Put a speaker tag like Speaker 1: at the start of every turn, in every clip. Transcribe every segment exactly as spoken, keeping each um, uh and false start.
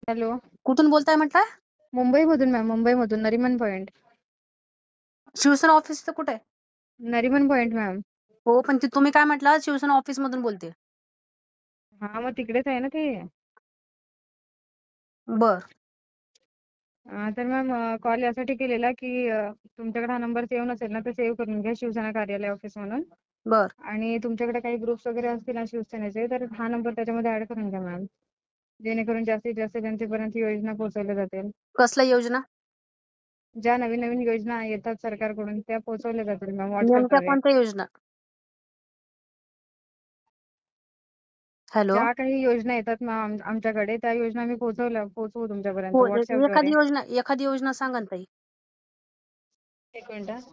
Speaker 1: Hello.
Speaker 2: कुठून बोलताय म्हटलं?
Speaker 1: मुंबईमधून मॅम, मुंबईमधून नरिमन पॉइंट.
Speaker 2: शिवसेना ऑफिसचं कुठे?
Speaker 1: Nariman Point ma'am.
Speaker 2: हो, पण ते तुम्ही काय म्हटलं शिवसेना ऑफिस मधून बोलते.
Speaker 1: हा, मग तिकडेच आहे ना ते.
Speaker 2: बर.
Speaker 1: अं, तर मॅम कॉल यासाठी केलेला की अं, तुमच्याकडे हा नंबर सेव्ह नसेल ना, तर सेव्ह करून घ्या, शिवसेना कार्यालय ऑफिस म्हणून.
Speaker 2: बर.
Speaker 1: आणि तुमच्याकडे काही ग्रुप्स वगैरे असतील ना शिवसेनेचे, तर हा नंबर त्याच्यामध्ये ऍड करून घ्या मॅम, जेणेकरून जास्तीत जास्त जनतेपर्यंत योजना पोहोचवल्या जातील.
Speaker 2: कसल्या योजना?
Speaker 1: ज्या नवीन नवीन योजना येतात सरकारकडून त्या पोहोचवल्या जातील मॅम
Speaker 2: नेमक्या
Speaker 1: व्हॉट्सअपद्वारे.
Speaker 2: कोणत्या योजना? हॅलो.
Speaker 1: ज्या काही योजना येतात मॅम आमच्याकडे, त्या योजना आम्ही पोहोचवल्या पोहोचवू तुमच्यापर्यंत
Speaker 2: हो, ए-
Speaker 1: व्हॉट्सअपद्वारे.
Speaker 2: एखादी योजना एखादी योजना सांगा ना ताई.
Speaker 1: एक मिनिट हा.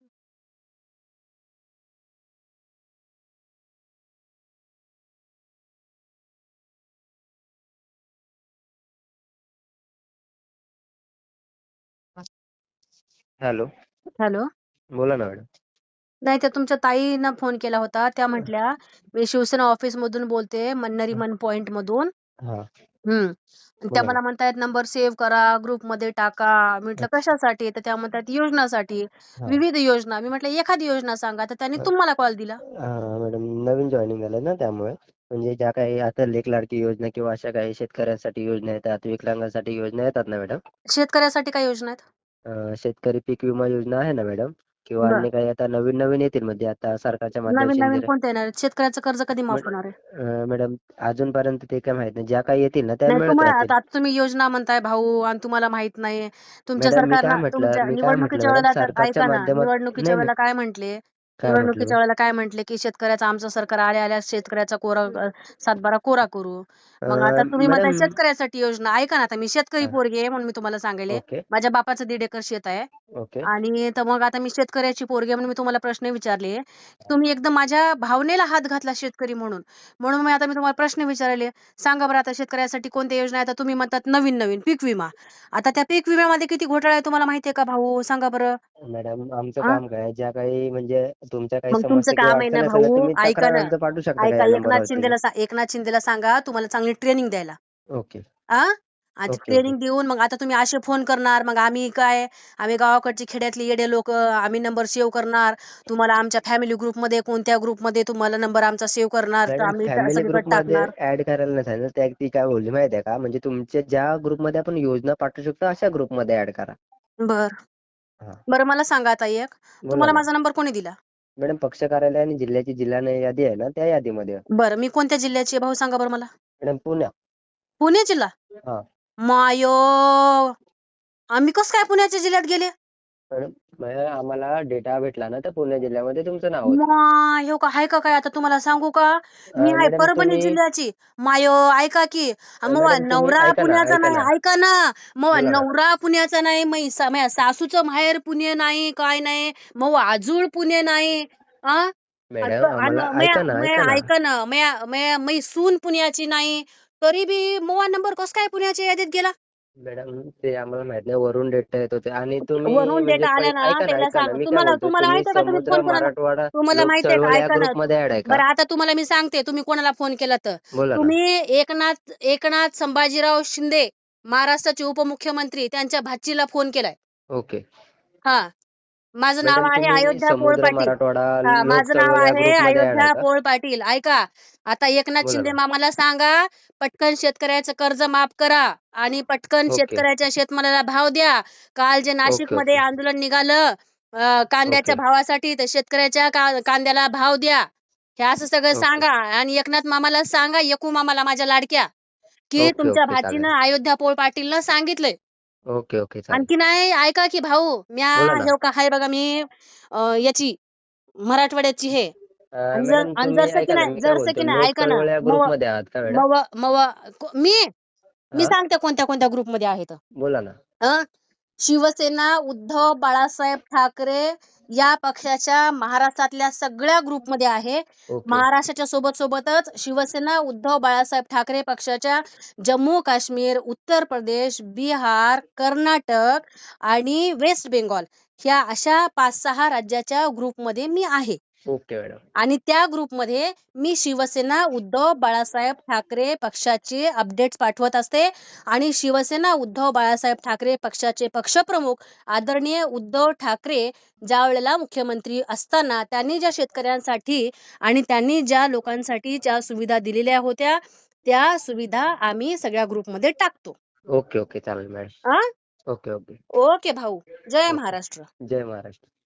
Speaker 3: हॅलो.
Speaker 2: हॅलो.
Speaker 3: बोला ना मॅडम.
Speaker 2: नाही, त्या तुमच्या ताईनं फोन केला होता, त्या म्हटल्या मी शिवसेना ऑफिस मधून बोलते, नरिमन पॉइंट मधून.
Speaker 3: हा,
Speaker 2: हम्म आणि त्या
Speaker 3: बोला
Speaker 2: मला
Speaker 3: ना.
Speaker 2: म्हणतायत नंबर सेव्ह करा, ग्रुप मध्ये टाका. म्हटलं
Speaker 3: अच्छा.
Speaker 2: कशासाठी? तर त्या म्हणतात योजनासाठी,
Speaker 3: हा.
Speaker 2: विविध योजना. मी म्हटलं एखादी योजना सांगा, तर त्यांनी तुम्हाला कॉल दिला.
Speaker 3: हा मॅडम, नवीन जॉईनिंग झालं ना, त्यामुळे म्हणजे ज्या काही आता लेक लाडकी योजना किंवा अशा काही शेतकऱ्यांसाठी योजना येतात, विकलांगांसाठी योजना येतात ना मॅडम.
Speaker 2: शेतकऱ्यासाठी काय योजना आहेत?
Speaker 3: अं, शेतकरी पीक विमा योजना आहे ना मॅडम, किंवा
Speaker 2: बर.
Speaker 3: अन्य काही आता नवीन नवीन येतील म्हणजे आता सरकारच्या
Speaker 2: नवीन
Speaker 3: माध्यमातून
Speaker 2: नवीन
Speaker 3: जर
Speaker 2: कोणते येणार आहेत? शेतकऱ्याचं कर्ज कधी माफ होणार आहे?
Speaker 3: अं, मॅडम अजूनपर्यंत ते काय माहित नाही, ज्या काही येतील ना त्या
Speaker 2: नाही,
Speaker 3: मिळत
Speaker 2: तुम्हाला
Speaker 3: राहतील.
Speaker 2: आता आता तुम्ही योजना म्हणताय भाऊ आणि तुम्हाला माहित नाही. तुमच्या
Speaker 3: मॅडम मी काय
Speaker 2: सरकारनं
Speaker 3: म्हटलं
Speaker 2: तुमच्या
Speaker 3: मी काय म्हटलं
Speaker 2: निवडणुकीच्या
Speaker 3: मॅडम,
Speaker 2: वेळेला तर
Speaker 3: सरकारच्या
Speaker 2: ऐका ना,
Speaker 3: माध्यमात
Speaker 2: निवडणुकीच्या
Speaker 3: नाही नाही
Speaker 2: वेळेला काय म्हंटले?
Speaker 3: काय म्हटलं मी?
Speaker 2: निवडणुकीच्या वेळेला काय म्हंटले की शेतकऱ्याचं आमचं सरकार आल्या आल्या शेतकऱ्याचा कोरा अ, सातबारा कोरा करू. मग आता
Speaker 3: अं,
Speaker 2: तुम्ही म्हणताय
Speaker 3: मॅडम.
Speaker 2: शेतकऱ्यासाठी योजना. ऐका ना, आता मी शेतकरी
Speaker 3: हा,
Speaker 2: पोरगी आहे म्हणून मी तुम्हाला सांगेले.
Speaker 3: ओके
Speaker 2: माझ्या बापाचं दीड एकर शेत आहे.
Speaker 3: ओके.
Speaker 2: आणि तर मग आता मी शेतकऱ्याची पोरगी आहे म्हणून मी तुम्हाला प्रश्न विचारले. तुम्ही एकदम माझ्या भावनेला हात घातला शेतकरी म्हणून. म्हणून मी आता मी तुम्हाला प्रश्न विचारले. सांगा बरं आता शेतकऱ्यासाठी कोणत्या योजना आहेत? आता तुम्ही म्हणतात नवीन नवीन पीक विमा. आता त्या पीक विम्यामध्ये किती घोटाळा आहे तुम्हाला माहितीये का भाऊ? सांगा बरं.
Speaker 3: मॅडम आमचं
Speaker 2: हा?
Speaker 3: काम काय, ज्या काही म्हणजे तुमच्या काही
Speaker 2: मग तुमचं
Speaker 3: समस्या किंवा
Speaker 2: काम आहे ना
Speaker 3: अडचणी असेल ना,
Speaker 2: भाऊ,
Speaker 3: तुम्ही
Speaker 2: ऐका
Speaker 3: तक्रार
Speaker 2: ना.
Speaker 3: अर्ज पाठवू शकता का
Speaker 2: ऐका,
Speaker 3: या
Speaker 2: एकनाथ
Speaker 3: नंबरवरती?
Speaker 2: शिंदेला सा एकनाथ शिंदेला सांगा तुम्हाला चांगली ट्रेनिंग द्यायला.
Speaker 3: ओके
Speaker 2: आ? आणि
Speaker 3: ओके ओके.
Speaker 2: ट्रेनिंग देऊन मग आता तुम्ही असे फोन करणार, मग आम्ही काय, आम्ही गावाकडची खेड्यातली येडे लोक, आम्ही नंबर सेव्ह करणार. तुम्हाला आमच्या फॅमिली ग्रुपमध्ये कोणत्या ग्रुपमध्ये तुम्हाला नंबर आमचा सेव्ह करणार, तर
Speaker 3: मॅडम
Speaker 2: आम्ही त्या
Speaker 3: फॅमिली
Speaker 2: सगळीकडे
Speaker 3: ग्रुपमध्ये
Speaker 2: टाकणार.
Speaker 3: ऍड करायला नाही सांगितलं, त्या ती काय बोलली माहिती आहे का, म्हणजे तुमच्या ज्या ग्रुपमध्ये आपण योजना पाठवू शकतो अशा ग्रुपमध्ये ऍड करा.
Speaker 2: बर.
Speaker 3: हा,
Speaker 2: बरं, मला सांगा आता एक,
Speaker 3: बोला
Speaker 2: तुम्हाला
Speaker 3: ना
Speaker 2: माझा नंबर कोणी दिला?
Speaker 3: मॅडम. पक्ष कार्यालय आणि जिल्ह्याची जिल्हा यादी आहे ना, त्या यादीमध्ये.
Speaker 2: बरं, मी कोणत्या जिल्ह्याची आहे भाऊ सांगा बरं मला?
Speaker 3: मॅडम पुण्या.
Speaker 2: पुणे जिल्हा?
Speaker 3: हा
Speaker 2: मायो, आम्ही कसं काय पुण्याच्या जिल्ह्यात गेले?
Speaker 3: मॅडम, मॅडम, आम्हाला डेटा भेटला ना, तर पुणे जिल्ह्यामध्ये तुमचं नाव होतं.
Speaker 2: माय, हो का, हाय का काय? आता तुम्हाला सांगू का, मी
Speaker 3: अं,
Speaker 2: आहे
Speaker 3: मॅडम
Speaker 2: परभणी
Speaker 3: तुम्ही
Speaker 2: जिल्ह्याची. मायो, ऐका की, मग
Speaker 3: मॅडम तुम्ही
Speaker 2: नवरा
Speaker 3: ऐका ना
Speaker 2: पुण्याचा
Speaker 3: ऐका
Speaker 2: नाही,
Speaker 3: ना
Speaker 2: ऐका ना. मग
Speaker 3: बोला ना.
Speaker 2: नवरा पुण्याचा नाही, मग सा- माझ्या सासूचं माहेर पुणे नाही, काय नाही, मग आजूळ पुणे नाही. आ?
Speaker 3: मॅडम
Speaker 2: आणि
Speaker 3: आम्हाला
Speaker 2: आणि
Speaker 3: ऐका
Speaker 2: म्या-
Speaker 3: ना
Speaker 2: म्या-
Speaker 3: ऐका ना
Speaker 2: ऐका ना, म्या- म्या- मै सून पुण्याची नाही, तरी बी मोवा नंबर कस काय पुण्याच्या यादीत गेला?
Speaker 3: मॅडम ते आम्हाला माहित नाही, वरून डेटा येत होते आणि तुम्ही
Speaker 2: वरून
Speaker 3: म्हणजे
Speaker 2: डेटा आला
Speaker 3: पै
Speaker 2: ना,
Speaker 3: ऐका ना
Speaker 2: त्याला
Speaker 3: ऐका ना
Speaker 2: सांग.
Speaker 3: मी काय
Speaker 2: तुम्हाला
Speaker 3: बोलतोय,
Speaker 2: तुम्हाला
Speaker 3: तुम्ही
Speaker 2: माहितीये का तुम्ही
Speaker 3: समुद्र
Speaker 2: फोन कोणाला,
Speaker 3: मराठवाडा
Speaker 2: तुम्हाला
Speaker 3: लोक
Speaker 2: माहितीये का,
Speaker 3: चळवळ या
Speaker 2: ऐका ना.
Speaker 3: ग्रुपमध्ये ऍड आहे का?
Speaker 2: बरं, आता तुम्हाला मी सांगते तुम्ही कोणाला फोन केला तर.
Speaker 3: बोला ना.
Speaker 2: तुम्ही एकनाथ एकनाथ संभाजीराव शिंदे, महाराष्ट्राचे उपमुख्यमंत्री, त्यांच्या भाचीला फोन केलाय.
Speaker 3: ओके
Speaker 2: हा, माझं नाव
Speaker 3: मॅडम,
Speaker 2: आहे
Speaker 3: तुम्ही
Speaker 2: अयोध्या पोळ
Speaker 3: समुद्र
Speaker 2: पाटील.
Speaker 3: मराठवाडा
Speaker 2: हा,
Speaker 3: लोक
Speaker 2: माझं नाव
Speaker 3: चळवळ या
Speaker 2: आहे
Speaker 3: ग्रुपमध्ये ऍड आहे
Speaker 2: अयोध्या
Speaker 3: का?
Speaker 2: पोळ पाटील. ऐका, आता एकनाथ
Speaker 3: बोला
Speaker 2: शिंदे
Speaker 3: ना.
Speaker 2: मामाला सांगा पटकन शेतकऱ्याचं कर्ज माफ करा आणि पटकन
Speaker 3: ओके
Speaker 2: शेतकऱ्याच्या शेतमालाला भाव द्या. काल जे
Speaker 3: ओके
Speaker 2: नाशिकमध्ये
Speaker 3: ओके
Speaker 2: आंदोलन निघालं अं, कांद्याच्या
Speaker 3: ओके
Speaker 2: भावासाठी, तर शेतकऱ्याच्या का- कांद्याला भाव द्या. हे असं सगळं
Speaker 3: ओके
Speaker 2: सांगा. आणि एकनाथ मामाला सांगा, एकू मामाला माझ्या लाडक्या, की
Speaker 3: ओके
Speaker 2: तुमच्या
Speaker 3: ओके चालेल.
Speaker 2: भाचीनं अयोध्या पोळ पाटीलनं सांगितलंय.
Speaker 3: ओके ओके चालेल.
Speaker 2: आणखी नाही, ऐका की भाऊ, म्या
Speaker 3: बोला ना.
Speaker 2: हे का हाय बघा, मी अं, याची मराठवाड्याची हे,
Speaker 3: अं,
Speaker 2: आणि जर
Speaker 3: मॅडम
Speaker 2: आणि
Speaker 3: तुम्ही
Speaker 2: जरसं की
Speaker 3: ऐका ना,
Speaker 2: नाही,
Speaker 3: मी काय
Speaker 2: जरसं
Speaker 3: बोलतो,
Speaker 2: की नाही,
Speaker 3: लोक
Speaker 2: ऐका ना.
Speaker 3: चळवळ या
Speaker 2: मव
Speaker 3: ग्रुपमध्ये आहात का मॅडम?
Speaker 2: मव मव को- मी मी
Speaker 3: हा,
Speaker 2: सांगते कोणत्या कोणत्या ग्रुपमध्ये आहेत.
Speaker 3: बोला ना.
Speaker 2: अं? शिवसेना उद्धव बाळासाहेब ठाकरे या पक्षाच्या महाराष्ट्रातल्या सगळ्या ग्रुपमध्ये आहे.
Speaker 3: ओके
Speaker 2: महाराष्ट्राच्या सोबत सोबतच शिवसेना उद्धव बाळासाहेब ठाकरे पक्षाच्या जम्मू काश्मीर, उत्तर प्रदेश, बिहार, कर्नाटक आणि वेस्ट बेंगॉल ह्या अशा पाच सहा राज्याच्या ग्रुपमध्ये मी आहे.
Speaker 3: Okay madam.
Speaker 2: आणि त्या ग्रुपमध्ये मी शिवसेना उद्धव बाळासाहेब ठाकरे पक्षाचे अपडेट्स पाठवत असते आणि शिवसेना उद्धव बाळासाहेब ठाकरे पक्षाचे पक्षप्रमुख आदरणीय उद्धव ठाकरे ज्या वेळेला मुख्यमंत्री असताना त्यांनी ज्या शेतकऱ्यांसाठी आणि त्यांनी ज्या लोकांसाठी ज्या सुविधा दिलेल्या होत्या त्या सुविधा आम्ही सगळ्या ग्रुपमध्ये टाकतो.
Speaker 3: ओके ओके चालेल मॅडम.
Speaker 2: आ
Speaker 3: ओके ओके
Speaker 2: ओके भाऊ. जय
Speaker 3: ओके.
Speaker 2: महाराष्ट्र.
Speaker 3: जय महाराष्ट्र.